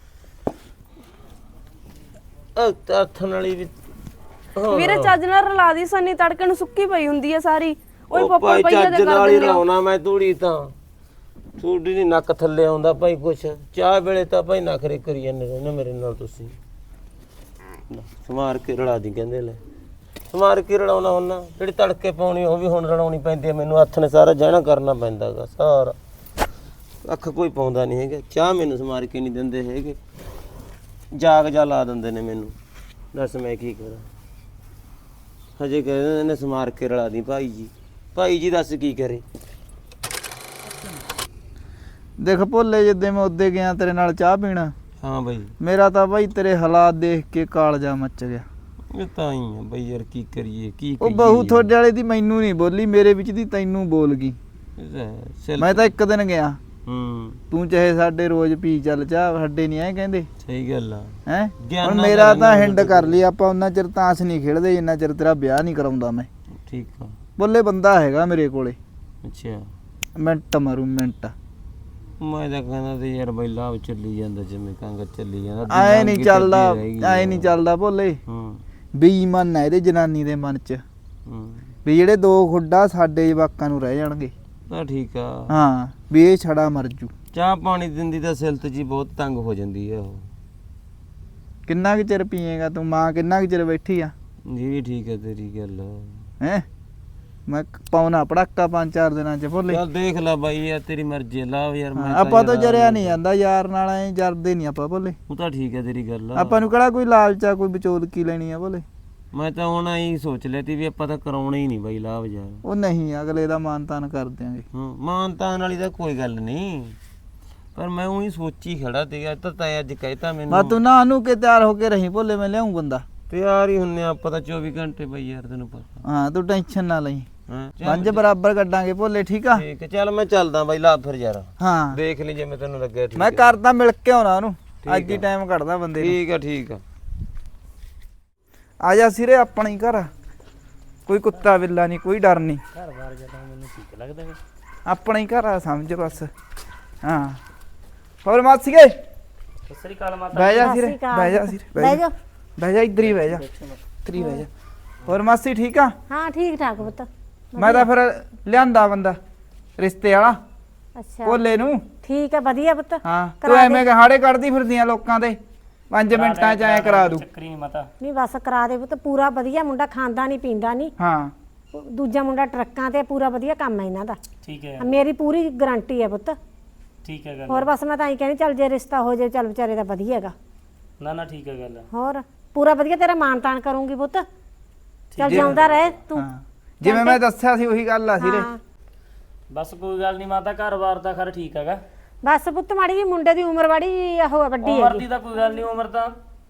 Speaker 4: ਉਹ ਤੱਥਣ ਵਾਲੀ ਵੀ
Speaker 2: ਵੀਰੇ ਚੱਜ ਨਾਲ ਰਲਾ ਦੀ ਸੰਨੀ, ਤੜਕੇ ਨੂੰ ਸੁੱਕੀ ਪਈ ਹੁੰਦੀ ਆ ਸਾਰੀ। ਉਹੀ
Speaker 4: ਉਹ
Speaker 2: ਪੱਪਾ
Speaker 4: ਭਾਈ
Speaker 2: ਪਈਆ
Speaker 4: ਚੱਜ
Speaker 2: ਤੇ
Speaker 4: ਨਾਲ
Speaker 2: ਕਰ
Speaker 4: ਹੀ
Speaker 2: ਦਿੰਦੇ ਆ।
Speaker 4: ਰਲਾਉਣਾ ਮੈਂ ਤੂੜੀ ਤਾਂ ਤੂੜੀ ਦੀ ਨੱਕ ਥੱਲੇ ਆਉਂਦਾ ਭਾਈ ਕੁਛ। ਚਾਹ ਵੇਲੇ ਤਾਂ ਭਾਈ ਨਖਰੇ ਕਰੀ ਜਾਂਦੇ ਰਹਿੰਦੇ ਮੇਰੇ ਨਾਲ ਤੁਸੀਂ। ਸਮਾਰ ਕੇ ਰਲਾ ਦੀ ਕਹਿੰਦੇ ਲੈ, ਸਮਾਰ ਕੇ ਰਲਾਉਣਾ ਹੁੰਦਾ। ਜਿਹੜੀ ਤੜਕੇ ਪਾਉਣੀ ਉਹ ਵੀ ਹੁਣ ਰਲਾਉਣੀ ਪੈਂਦੀ ਹੈ ਮੈਨੂੰ। ਹੱਥ ਨੇ ਸਾਰਾ ਜਹਿਣਾ ਕਰਨਾ ਪੈਂਦਾ ਗਾ ਸਾਰਾ। ਅੱਖ ਕੋਈ ਪਾਉਂਦਾ ਨਹੀਂ ਹੈਗਾ। ਚਾਹ ਮੈਨੂੰ ਸਮਾਰ ਕੇ ਨਹੀਂ ਦਿੰਦੇ ਹੈਗੇ, ਜਾਗ ਜਾ ਲਾ ਦਿੰਦੇ ਨੇ ਮੈਨੂੰ। ਦੱਸ ਮੈਂ ਕੀ ਕਰਾਂ। ਹਜੇ ਕਹਿੰਦੇ ਨੇ ਸਮਾਰ ਕੇ ਰਲਾ ਦੀ ਭਾਈ ਜੀ। ਭਾਈ ਜੀ ਦੱਸ ਕੀ ਕਰੇ।
Speaker 3: ਦੇਖ ਭੋਲੇ, ਜਿੱਦੇ ਮੈਂ ਉੱਦੇ ਗਿਆ ਤੇਰੇ ਨਾਲ ਚਾਹ ਪੀਣਾ,
Speaker 4: ਹਾਂ ਬਾਈ
Speaker 3: ਮੇਰਾ ਤਾਂ ਬਾਈ ਤੇਰੇ ਹਾਲਾਤ ਦੇਖ ਕੇ ਕਾਲਜਾ ਮੱਚ ਗਿਆ।
Speaker 4: ਇਹ ਤਾਂ ਹੀ ਆ ਬਈ ਯਾਰ, ਕੀ ਕਰੀਏ ਕੀ
Speaker 3: ਉਹ ਬਹੂ ਤੁਹਾਡੇ ਵਾਲੇ ਦੀ ਮੈਨੂੰ ਨਹੀਂ ਬੋਲੀ, ਮੇਰੇ ਵਿੱਚ ਦੀ ਤੈਨੂੰ ਬੋਲ ਗਈ। ਮੈਂ ਤਾਂ ਇੱਕ ਦਿਨ ਗਿਆ, ਤੂੰ ਚਾਹੇ ਸਾਡੇ ਰੋਜ਼ ਪੀ ਚੱਲ ਚਾਹ, ਸਾਡੇ ਨਹੀਂ ਐ ਕਹਿੰਦੇ।
Speaker 4: ਸਹੀ ਗੱਲ ਆ
Speaker 3: ਹੈ ਹੁਣ ਮੇਰਾ ਤਾਂ ਹਿੰਡ ਕਰ ਲਈ ਆਪਾਂ, ਉਹਨਾਂ ਚਿਰ ਤਾਂਸ ਨਹੀਂ ਖੇਡਦੇ ਜਿੰਨਾ ਚਿਰ ਤੇਰਾ ਵਿਆਹ ਨਹੀਂ ਕਰਾਉਂਦਾ ਮੈਂ।
Speaker 4: ਠੀਕ ਆ।
Speaker 3: ਬੋਲੇ ਬੰਦਾ ਹੈਗਾ ਮੇਰੇ ਕੋਲੇ,
Speaker 4: ਅੱਛਾ
Speaker 3: ਮਿੰਟ ਮਾਰੂ ਮਿੰਟ।
Speaker 4: ਮੈਂ ਤਾਂ ਕਹਿੰਦਾ ਤੇ ਯਾਰ ਬਈ ਲਾਭ ਚੱਲੀ ਜਾਂਦਾ ਜਿਵੇਂ ਕੰਗ ਚੱਲੀ ਜਾਂਦਾ।
Speaker 3: ਆਏ ਨਹੀਂ ਚੱਲਦਾ, ਆਏ ਨਹੀਂ ਚੱਲਦਾ ਭੋਲੇ। ਬੇਈਮਾਨ ਹੈ ਇਹਦੇ ਜਨਾਨੀ ਦੇ ਮਨ ਚ ਵੀ ਜਿਹੜੇ ਦੋ ਖੁੱਡਾ ਸਾਡੇ ਜਵਾਕਾਂ ਨੂੰ ਰਹਿ ਜਾਣਗੇ।
Speaker 4: ਤਾਂ ਠੀਕ ਆ।
Speaker 3: ਹਾਂ ਵੀ ਇਹ ਛੜਾ ਮਰ ਜੂ।
Speaker 4: ਚਾਹ ਪਾਣੀ ਦਿੰਦੀ ਤਾਂ ਸਿਲਤ ਜੀ ਬਹੁਤ ਤੰਗ ਹੋ ਜਾਂਦੀ ਆ ਉਹ।
Speaker 3: ਕਿੰਨਾ ਕੁ ਚਿਰ ਪੀਏਗਾ ਤੂੰ? ਮਾਂ ਕਿੰਨਾ ਕੁ ਚਿਰ ਬੈਠੀ ਆ?
Speaker 4: ਜੀ ਵੀ ਠੀਕ ਹੈ ਤੇਰੀ ਗੱਲ।
Speaker 3: ਹੈ ਮੈਂ ਪਾਉਣਾ ਪੜਾਕਾ 5-4 ਦਿਨਾਂ ਚ ਭੋਲੇ।
Speaker 4: ਚੱਲ ਦੇਖ ਲੈ ਬਾਈ ਯਾਰ ਤੇਰੀ ਮਰਜ਼ੀ ਹੈ ਲਾਭ ਯਾਰ। ਮੈਂ
Speaker 3: ਆਪਾਂ ਤਾਂ ਜਰਿਆ ਨਹੀਂ ਜਾਂਦਾ ਯਾਰ ਨਾਲ, ਐ ਜਰਦੇ ਨਹੀਂ ਆਪਾਂ ਭੋਲੇ।
Speaker 4: ਉਹ ਤਾਂ ਠੀਕ ਹੈ ਤੇਰੀ ਗੱਲ।
Speaker 3: ਆਪਾਂ ਨੂੰ ਕਿਹੜਾ ਕੋਈ ਲਾਲਚਾ, ਕੋਈ ਵਿਚੋਲਕੀ ਲੈਣੀ ਆ ਭੋਲੇ।
Speaker 4: ਮੈਂ ਤਾਂ ਹੁਣ ਐਂ ਸੋਚ ਲਿਆ ਤੀ ਵੀ ਆਪਾਂ ਤਾਂ ਕਰਾਉਣਾ ਹੀ ਨਹੀਂ ਬਾਈ ਲਾਭ ਯਾਰ।
Speaker 3: ਉਹ ਨਹੀਂ, ਅਗਲੇ ਦਾ ਮਾਨ ਤਾਨ ਕਰ ਦਿਆਂਗੇ।
Speaker 4: ਮਾਨਤਾਨ ਵਾਲੀ ਤਾਂ ਕੋਈ ਗੱਲ ਨਹੀਂ, ਪਰ ਮੈਂ ਉਹੀ ਸੋਚੀ ਖੜਾ ਤੇ ਅੱਜ ਤਾਂ ਅੱਜ ਕਹਿਤਾ
Speaker 3: ਮੈਂ
Speaker 4: ਮੈਨੂੰ।
Speaker 3: ਤੂੰ ਨਾ ਨੂੰ ਕੇ ਤਿਆਰ ਹੋ ਕੇ ਰਹੀ ਭੋਲੇ, ਮੈਂ ਲਿਆਉਂ ਬੰਦਾ।
Speaker 4: ਤਿਆਰ ਹੀ ਹੁੰਨੇ ਆਪਾਂ ਤਾਂ 24 ਘੰਟੇ ਬਈ ਯਾਰ, ਤੈਨੂੰ ਪਤਾ।
Speaker 3: ਹਾਂ ਤੂੰ ਟੈਨਸ਼ਨ ਨਾ ਲਈ,
Speaker 4: ਹਾਂ
Speaker 3: ਪੰਜ ਬਰਾਬਰ ਕੱਢਾਂਗੇ ਭੋਲੇ, ਠੀਕ ਆ?
Speaker 4: ਠੀਕ ਹੈ ਚੱਲ ਮੈਂ ਚੱਲਦਾ ਬਾਈ ਲਾ ਫਿਰ ਯਾਰ।
Speaker 3: ਹਾਂ
Speaker 4: ਦੇਖ ਲਈ ਜਿਵੇਂ ਤੈਨੂੰ ਲੱਗਿਆ। ਠੀਕ
Speaker 3: ਮੈਂ
Speaker 4: ਹੈ
Speaker 3: ਕਰਦਾ, ਮਿਲ ਕੇ ਆਉਣਾ ਉਹਨੂੰ, ਅੱਜ ਹੀ ਟਾਈਮ ਕੱਢਦਾ ਬੰਦੇ ਨੂੰ।
Speaker 4: ਠੀਕ ਆ ਠੀਕ ਆ।
Speaker 3: ਆ ਜਾ ਸਿਰੇ, ਆਪਣਾ ਹੀ ਘਰ ਆ, ਕੋਈ ਕੁੱਤਾ ਬਿੱਲਾ ਨਹੀਂ, ਕੋਈ ਡਰ ਨਹੀਂ।
Speaker 6: ਘਰ ਬਾਰ ਜਦੋਂ ਮੈਨੂੰ ਠੀਕ ਲੱਗਦਾ ਹੈ।
Speaker 3: ਆਪਣਾ ਹੀ ਘਰ ਆ ਸਮਝ ਬਸ। ਹਾਂ ਹੋਰ ਮਾਸੀ ਗਏ?
Speaker 6: ਸਤਿ ਸ੍ਰੀ ਅਕਾਲ ਮਾਤਾ।
Speaker 3: ਬਹਿ ਜਾ
Speaker 1: ਸਤਿ
Speaker 3: ਸਿਰੇ,
Speaker 1: ਸ਼੍ਰੀ ਅਕਾਲ।
Speaker 3: ਬਹਿ ਜਾ ਸਿਰੇ,
Speaker 1: ਬਹਿ ਜਾ।
Speaker 3: ਬਹਿ ਜਾ, ਇੱਧਰ ਹੀ ਬਹਿ ਜਾ, ਇੱਧਰ ਹੀ ਬਹਿ ਜਾ। ਹੋਰ ਮਾਸੀ ਠੀਕ ਆ?
Speaker 1: ਹਾਂ ਠੀਕ ਠਾਕ ਪੁੱਤ।
Speaker 3: ਮੈਂ ਤਾਂ ਫਿਰ ਲਿਆਂਦਾ ਬੰਦਾ ਰਿਸ਼ਤੇ ਵਾਲਾ
Speaker 1: ਅੱਛਾ
Speaker 3: ਭੋਲੇ ਨੂੰ।
Speaker 1: ਠੀਕ ਹੈ, ਵਧੀਆ ਪੁੱਤ।
Speaker 3: ਹਾਂ ਤੂੰ
Speaker 1: ਕਰਾ
Speaker 3: ਐਵੇਂ ਹਾੜੇ ਕੱਢਦੀ ਫਿਰਦੀਆਂ ਲੋਕਾਂ ਦੇ, 5 ਮਿੰਟਾਂ ਚ ਐ ਕਰਾ ਦੂ।
Speaker 6: ਚੱਕਰੀ ਨਹੀਂ ਮਾਤਾ।
Speaker 1: ਨਹੀਂ ਬਸ ਕਰਾ ਦੇ ਪੁੱਤ, ਪੂਰਾ ਵਧੀਆ ਮੁੰਡਾ, ਖਾਂਦਾ ਨਹੀਂ ਪੀਂਦਾ ਨਹੀਂ।
Speaker 3: ਹਾਂ
Speaker 1: ਦੂਜਾ ਮੁੰਡਾ ਟਰੱਕਾਂ ਤੇ, ਪੂਰਾ ਵਧੀਆ ਕੰਮ ਹੈ ਇਹਨਾਂ ਦਾ।
Speaker 6: ਠੀਕ ਹੈ
Speaker 1: ਮੇਰੀ ਪੂਰੀ ਗਾਰੰਟੀ ਹੈ ਪੁੱਤ।
Speaker 6: ਠੀਕ ਹੈ ਗੱਲ।
Speaker 1: ਹੋਰ ਬਸ ਮੈਂ ਤਾਂ ਐਂ ਕਹਿੰਦੀ ਚੱਲ ਜੇ ਰਿਸ਼ਤਾ ਹੋ ਜਾਏ, ਚੱਲ ਵਿਚਾਰੇ ਦਾ ਵਧੀਆ ਹੈਗਾ।
Speaker 6: ਨਾ ਨਾ ਠੀਕ ਹੈ ਗੱਲ।
Speaker 1: ਹੋਰ ਪੂਰਾ ਵਧੀਆ ਤੇਰਾ ਮਾਣ ਤਾਣ ਕਰੂੰਗੀ ਪੁੱਤ। ਚੱਲ ਜਿਉਂਦਾ ਰਹਿ ਤੂੰ।
Speaker 3: ਹਾਂ ਜਿਵੇਂ ਮੈਂ ਦੱਸਿਆ ਸੀ ਉਹੀ ਗੱਲ ਆ ਸਿਰੇ।
Speaker 1: ਹਾਂ
Speaker 6: ਬਸ ਕੋਈ ਗੱਲ ਨਹੀਂ ਮਾਤਾ, ਘਰ-ਬਾਰ ਦਾ ਖਰ ਠੀਕ ਹੈਗਾ।
Speaker 1: ਬਸ ਪੁੱਤ ਮਾੜੀ ਜੀ ਮੁੰਡੇ ਦੀ ਉਮਰ ਵਾੜੀ ਉਹ ਆ, ਵੱਡੀ
Speaker 6: ਉਮਰ
Speaker 1: ਹੈਗੀ।
Speaker 6: ਦੀ ਤਾਂ ਕੋਈ ਗੱਲ ਨਹੀਂ, ਉਮਰ ਤਾਂ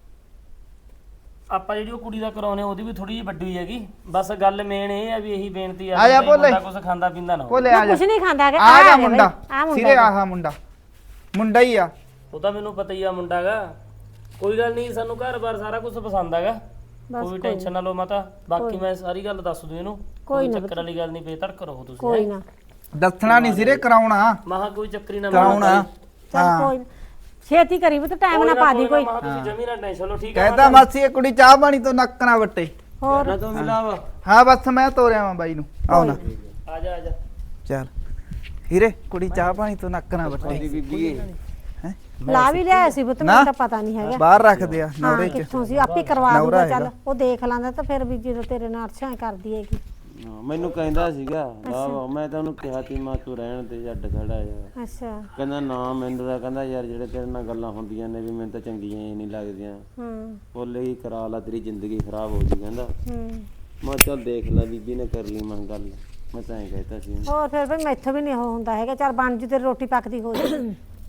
Speaker 6: ਆਪਾਂ ਜਿਹੜੀ ਉਹ ਕੁੜੀ ਦਾ ਕਰਾਉਨੇ ਉਹਦੀ ਵੀ ਥੋੜੀ ਜਿਹੀ ਵੱਡੀ ਹੋਈ ਹੈਗੀ। ਬਸ ਗੱਲ ਮੇਨ ਇਹ ਆ ਵੀ ਇਹੀ ਬੇਨਤੀ ਆ
Speaker 3: ਆ ਜਾ
Speaker 6: ਵੀ
Speaker 3: ਭੋਲੇ।
Speaker 6: ਮੁੰਡਾ ਕੁਝ ਖਾਂਦਾ ਪੀਂਦਾ ਨਾ ਹੋਵੇ।
Speaker 3: ਭੋਲੇ ਆ ਜਾ,
Speaker 1: ਕੁਛ ਨਹੀਂ ਖਾਂਦਾ ਹੈਗਾ।
Speaker 3: ਆ ਜਾ
Speaker 1: ਆ
Speaker 3: ਮੁੰਡਾ ਸਿਰੇ,
Speaker 1: ਮੁੰਡਾ
Speaker 3: ਆਹ ਮੁੰਡਾ ਮੁੰਡਾ ਹੀ ਆ।
Speaker 6: ਉਹ ਤਾਂ ਮੈਨੂੰ ਪਤਾ ਹੀ ਆ ਮੁੰਡਾ ਗਾ। ਕੋਈ ਗੱਲ ਨਹੀਂ, ਸਾਨੂੰ ਘਰ-ਬਾਰ ਸਾਰਾ ਕੁਝ ਪਸੰਦ ਹੈਗਾ। ਕੋਈ ਟੈਨਸ਼ਨ ਨਾ ਲਓ ਮਾਤਾ, ਬਾਕੀ ਮੈਂ ਸਾਰੀ ਗੱਲ ਦੱਸ ਦੂੰ ਇਹਨੂੰ। ਕੋਈ ਚੱਕਰ ਵਾਲੀ ਗੱਲ ਨਹੀਂ, ਬੇਧੜਕ ਰਹੋ ਤੁਸੀਂ।
Speaker 1: ਕੋਈ ਨਾ
Speaker 3: ਦੱਸਣਾ ਨਹੀਂ ਸਿਰੇ, ਕਰਾਉਣਾ
Speaker 6: ਮਹਾ ਕੋਈ ਚੱਕਰੀ ਨਾ
Speaker 3: ਕਰਾਉਣਾ।
Speaker 1: ਚੱਲ ਕੋਈ ਨਾ। ਛੇਤੀ ਕਰੀ ਪੁੱਤ, ਟਾਈਮ ਨਾ ਪਾ ਦੀ ਕੋਈ।
Speaker 6: ਮਹਾ ਤੁਸੀਂ ਜਮੀ ਨਾ ਟੈਨਸ਼ਨ ਲਓ। ਠੀਕ ਹੈ
Speaker 3: ਕਹਿੰਦਾ ਮਾਸੀ ਇਹ ਕੁੜੀ ਚਾਹ ਪਾਣੀ ਤੋਂ ਨੱਕ ਨਾ ਵੱਟੇ।
Speaker 1: ਹੋਰ
Speaker 4: ਨਾ ਤੂੰ ਮਿਲਾਵਾ।
Speaker 3: ਹਾਂ ਬਸ ਮੈਂ ਤੋਰਿਆ ਵਾਂ ਬਾਈ ਨੂੰ, ਆਉ ਨਾ
Speaker 6: ਆ ਜਾ ਆ ਜਾ।
Speaker 3: ਚੱਲ ਹੀਰੇ, ਕੁੜੀ ਚਾਹ ਪਾਣੀ ਤੋਂ ਨੱਕ ਨਾ ਵੱਟੇ। ਹੈ
Speaker 1: ਲਾ ਵੀ ਲਿਆ ਸੀ ਪੁੱਤ, ਮੈਨੂੰ ਤਾਂ ਪਤਾ ਨਹੀਂ ਹੈਗਾ।
Speaker 3: ਬਾਹਰ ਰੱਖਦੇ ਆ
Speaker 1: ਹਾਂ
Speaker 3: ਨੌਰੇ ਚ।
Speaker 1: ਕਿੱਥੋਂ ਸੀ, ਆਪੇ ਕਰਵਾ
Speaker 3: ਨੌਰਾ
Speaker 1: ਦੂਗਾ। ਚੱਲ
Speaker 3: ਹੈਗਾ।
Speaker 1: ਉਹ ਦੇਖ ਲਾਂਦਾ ਤਾਂ ਫਿਰ ਵੀ ਜਦੋਂ ਤੇਰੇ ਨਾਲ ਅਰਸ਼ਾਂ ਕਰਦੀ ਹੈਗੀ।
Speaker 4: ਮੈਨੂੰ ਕਹਿੰਦਾ ਸੀਗਾ ਲਾਭ, ਮੈਂ ਤਾਂ ਉਹਨੂੰ ਕਿਹਾ ਤੀ ਮਾਂ ਤੂੰ ਰਹਿਣ ਤੇ ਛੱਡ ਖੜਾ ਯਾਰ।
Speaker 1: ਅੱਛਾ
Speaker 4: ਕਹਿੰਦਾ ਨਾ ਮੈਨੂੰ ਤਾਂ ਕਹਿੰਦਾ ਯਾਰ ਜਿਹੜੇ ਤੇਰੇ ਨਾਲ ਗੱਲਾਂ ਹੁੰਦੀਆਂ ਨੇ ਵੀ ਮੈਨੂੰ ਤਾਂ ਚੰਗੀਆਂ ਹੀ ਨਹੀਂ ਲੱਗਦੀਆਂ। ਬੋਲੇ ਹੀ ਕਰਾ ਲਾ, ਤੇਰੀ ਜ਼ਿੰਦਗੀ ਖਰਾਬ ਹੋ ਜੂ ਕਹਿੰਦਾ। ਮੈਂ ਚੱਲ ਦੇਖ ਲੈ ਬੀਬੀ ਨੇ ਕਰ ਲਈ ਮੈਂ ਗੱਲ, ਮੈਂ ਤਾਂ ਐਂ ਕਹਿਤਾ ਸੀ।
Speaker 1: ਹੋਰ ਫਿਰ ਵੀ ਮੈਥੋਂ ਵੀ ਨਹੀਂ ਉਹ ਹੁੰਦਾ ਹੈਗਾ। ਚੱਲ ਬਣ ਜੂ, ਤੇਰੀ ਰੋਟੀ ਪੱਕਦੀ ਹੋ ਜਾ।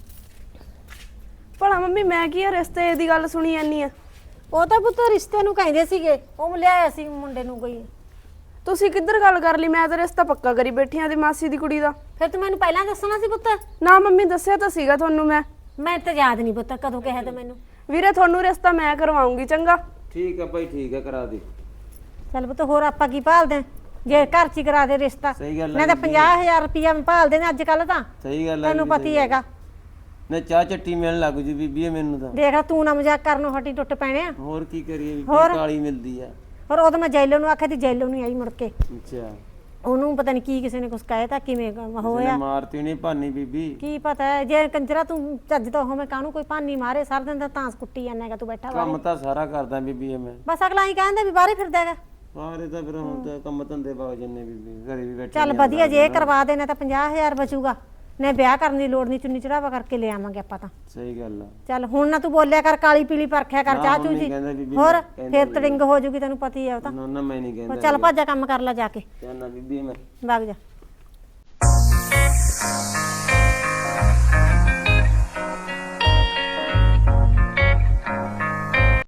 Speaker 2: ਭਲਾ ਮੰਮੀ ਮੈਂ ਕੀ ਆ ਰਿਸ਼ਤੇ ਦੀ ਗੱਲ ਸੁਣੀ ਜਾਂਦੀ ਆ?
Speaker 1: ਉਹ ਤਾਂ ਪੁੱਤ ਰਿਸ਼ਤੇ ਨੂੰ ਕਹਿੰਦੇ ਸੀਗੇ, ਉਹ ਲਿਆਇਆ ਸੀ ਮੁੰਡੇ ਨੂੰ ਕੋਈ।
Speaker 2: ਤੁਸੀਂ ਕਿੱਧਰ ਗੱਲ ਕਰ ਲਈ? ਮੈਂ ਤਾਂ ਰਿਸ਼ਤਾ ਪੱਕਾ ਕਰੀ ਬੈਠੀ ਆਂ ਦੀ ਮਾਸੀ ਦੀ ਕੁੜੀ ਦਾ।
Speaker 1: ਫਿਰ ਤੂੰ ਮੈਨੂੰ ਪਹਿਲਾਂ ਦੱਸਣਾ ਸੀ ਪੁੱਤ।
Speaker 2: ਨਾ ਮੰਮੀ ਦੱਸਿਆ ਤਾਂ ਸੀਗਾ ਤੁਹਾਨੂੰ ਮੈਂ।
Speaker 1: ਮੈਂ ਤਾਂ ਯਾਦ ਨਹੀਂ ਪੁੱਤ ਕਦੋਂ ਕਿਹਾ ਤੇ ਮੈਨੂੰ।
Speaker 2: ਵੀਰੇ ਤੁਹਾਨੂੰ ਰਿਸ਼ਤਾ ਮੈਂ ਕਰਵਾਉਂਗੀ, ਚੰਗਾ?
Speaker 4: ਠੀਕ ਆ ਭਾਈ, ਠੀਕ ਆ, ਕਰਾ ਦੇ।
Speaker 1: ਚੱਲ ਪੁੱਤ ਹੋਰ ਆਪਾਂ ਕੀ ਭਾਲਦੇ ਆਂ? ਜੇ ਘਰ 'ਚ ਹੀ ਕਰਾ ਦੇ ਰਿਸ਼ਤਾ,
Speaker 4: ਸਹੀ ਗੱਲ ਆ
Speaker 1: ਨਹੀਂ ਤਾਂ 50,000 ਰੁਪਇਆ ਭਾਲਦੇ ਨੇ ਅੱਜ ਕੱਲ ਤਾਂ,
Speaker 4: ਸਹੀ ਗੱਲ ਆ
Speaker 1: ਤੈਨੂੰ
Speaker 4: ਬੀਬੀ,
Speaker 1: ਪਤਾ ਹੀ ਹੈਗਾ।
Speaker 4: ਨਾ ਚਾਹ ਚੱਟੀ ਮਿਲਣ ਲੱਗ ਜੂ ਬੀਬੀ ਇਹ ਮੈਨੂੰ ਤਾਂ।
Speaker 1: ਦੇਖ ਤੂੰ ਨਾ ਮਜ਼ਾਕ ਕਰਨੋਂ ਹਟੀ ਟੁੱਟ ਪੈਣੇ ਆ।
Speaker 4: ਹੋਰ ਕੀ ਕਰੀਏ ਬੀਬੀ,
Speaker 1: ਹੋਰ?
Speaker 4: ਕਾਲੀ ਮਿਲਦੀ ਆ।
Speaker 1: ਹੋਰ ਉਦੋਂ ਮੈਂ ਜੈਲੋ ਨੂੰ ਆਖਿਆ ਤੇ ਜੈਲੋ ਨਹੀਂ ਆਈ ਮੁੜ ਕੇ।
Speaker 4: ਅੱਛਾ,
Speaker 1: ਉਹਨੂੰ ਪਤਾ ਨਹੀਂ ਕੀ ਕਿਸੇ ਨੇ ਕੁਛ ਕਹਿ ਤਾ, ਕਿਵੇਂ ਹੋਇਆ
Speaker 4: ਮਾਰਤੀ ਨਹੀਂ ਭਾਨੀ ਬੀਬੀ।
Speaker 1: ਕੀ ਪਤਾ ਹੈ, ਜੇ ਕੰਜਰਾ ਤੂੰ ਚੱਜ ਤੋਂ ਹੋਵੇਂ ਕਾਹਨੂੰ ਕੋਈ ਭਾਨੀ ਮਾਰੇ, ਸਾਰਾ ਦਿਨ ਤਾਂ ਤਾਂਸ ਕੁੱਟੀ ਜਾਂਦਾ ਹੈਗਾ ਤੂੰ ਬੈਠਾ
Speaker 4: ਕੰਮ
Speaker 1: ਬਾਹਰ।
Speaker 4: ਤਾਂ ਸਾਰਾ ਕਰਦਾ ਬੀਬੀ ਇਹ ਮੈਂ।
Speaker 1: ਬਸ ਅਗਲਾ ਹੀ ਕਹਿੰਦਾ ਵੀ ਬਾਹਰੇ ਫਿਰਦਾ ਹੈਗਾ।
Speaker 4: ਸਾਰੇ ਤਾਂ ਫਿਰ ਹੁਣ ਤਾਂ ਕੰਮ ਧੰਦੇ ਬਾਗ ਜੰਨੇ ਬੀਬੀ, ਘਰੇ ਵੀ ਬੈਠੇ
Speaker 1: ਚੱਲ ਵਧੀਆ, ਜੇ ਇਹ ਕਰਵਾ ਦੇਣਾ ਤਾਂ 50,000 ਬਚੂਗਾ, ਨੇ ਵਿਆਹ ਕਰਨ ਦੀ ਲੋੜ ਨਹੀਂ, ਚੁੰਨੀ ਚੜਾਵਾ ਕਰਕੇ ਲੈ ਆਵਾਂਗੇ ਆਪਾਂ ਤਾਂ।
Speaker 4: ਸਹੀ ਗੱਲ ਆ।
Speaker 1: ਚੱਲ ਹੁਣ ਨਾ ਤੂੰ ਬੋਲਿਆ ਕਰ, ਕਾਲੀ ਪੀਲੀ ਪਰਖਿਆ ਕਰ
Speaker 4: ਨਾ,
Speaker 1: ਚਾਹ
Speaker 4: ਹੁਣ
Speaker 1: ਚੂ
Speaker 4: ਨਹੀਂ
Speaker 1: ਜੀ।
Speaker 4: ਕਹਿੰਦਾ ਬੀਬੀ,
Speaker 1: ਹੋਰ
Speaker 4: ਮੈਂ ਕਹਿੰਦਾ
Speaker 1: ਫੇਰ
Speaker 4: ਨਹੀਂ।
Speaker 1: ਤੜਿੰਗ ਹੋ ਜੂਗੀ, ਤੈਨੂੰ ਪਤਾ ਹੀ ਹੈ ਉਹ ਤਾਂ।
Speaker 4: ਨਾ ਮੈਂ ਨਹੀਂ ਕਹਿੰਦਾ।
Speaker 1: ਚੱਲ ਭੱਜਾ ਕੰਮ ਕਰ ਲੈ ਜਾ ਕੇ,
Speaker 4: ਚੱਲ ਨਾ ਬੀਬੀ ਮੈਂ।
Speaker 1: ਵਗ ਜਾ।